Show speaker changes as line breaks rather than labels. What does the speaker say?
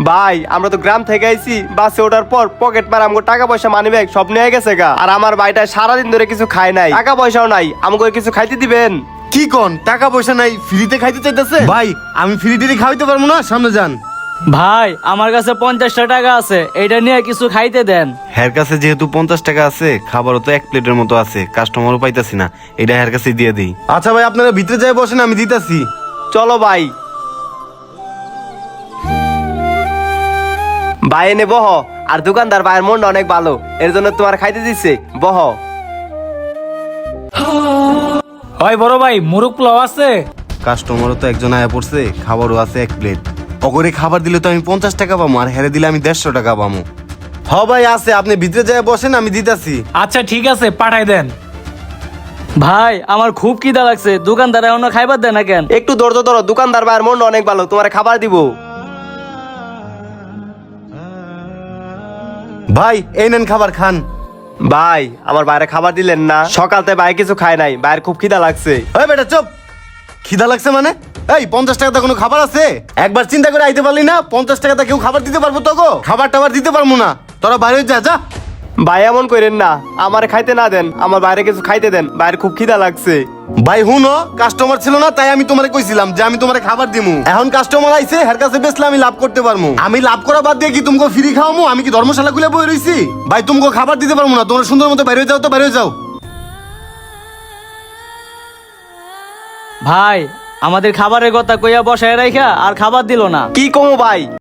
ভাই আমরা তো গ্রাম থেকে আইছি, বাসে ওঠার পর পকেট মার আমগো টাকা পয়সা মানি ব্যাগ সব নিয়ে গেছে গা। আর আমার ভাইটা সারাদিন ধরে কিছু খায় নাই, টাকা পয়সাও নাই, আমগো কিছু খাইতে দিবেন?
কি কোন টাকা পয়সা নাই ফ্রিতে খাইতে চাইতেছে? ভাই আমি ফ্রিতে খাইতে পারবো না, সামনে যান।
ভাই আমার কাছে 50টা টাকা আছে, এটা নিয়ে কিছু খাইতে দেন।
হের কাছে যেহেতু 50 টাকা আছে, খাবারও তো 1 প্লেটের মতো আছে, কাস্টমারও পাইতাছি না, এটা হের কাছে দিয়ে দিই। আচ্ছা ভাই আপনারা ভিতরে যাই বসেন, আমি দিতাছি।
চলো ভাই। ভাই এনে বহ। আর দোকানদার ভাইয়ের মনটা অনেক ভালো, এর জন্য তোমার খাইতে দিচ্ছে, বহ।
ওই বড় ভাই মুরগ পোলাও আছে?
কাস্টমারও তো একজন আয়া পড়ছে, খাবারও আছে 1 প্লেট। অগরে খাবার দিলে তো আমি 50 টাকা পাবো, আর হেরে দিলে আমি 150 টাকা পাবো। হ ভাই আছে, আপনি ভিতরে যাই বসেন, আমি দিতাছি।
আচ্ছা ঠিক আছে, পাঠাই দেন। ভাই আমার খুব খিদা লাগছে, দোকানদার এখনো খাইবার দেয় না কেন?
একটু ধৈর্য ধরো, দোকানদার ভাইয়ের মনটা অনেক ভালো, তোমার খাবার দিব।
ভাই এই নেন খাবার খান।
ভাই আমার বাইরে খাবার দিলেন না? সকালতে ভাই কিছু খায় নাই, ভাইয়ের খুব খিদা লাগছে।
ওই বেটা চুপ। খিদা লাগছে মানে? এই 50 টাকাতে কোনো খাবার আছে? একবার চিন্তা করে আইতে পারলি না? 50 টাকাতে কেউ খাবার দিতে পারবো তো? খাবার টাবার দিতে পারবো না, তোরা বাইরে যা যা।
ভাই এমন করেন না, আমার খাইতে না দেন, আমার বাইরে কিছু খাইতে দেন, বাইরে খুব খিদা লাগছে।
ভাই হুনো, কাস্টমার ছিল না তাই আমি তোমারে কইছিলাম যে আমি তোমারে খাবার দিমু। এখন কাস্টমার আইছে, হের কাছে বেচলে আমি লাভ করতে পারমু। আমি লাভ করা বাদ দিয়ে কি তোমাকে ফ্রি খাওয়ামু? আমি কি ধর্মশালা খুলে বই রইছি? ভাই তোমাকে খাবার দিতে পারবো না, তোমরা সুন্দর মতো বাইরে যাও তো, বাইরে যাও।
ভাই আমাদের খাবারের কথা কইয়া বসায় রাখা আর খাবার দিল না।
কি কমো ভাই?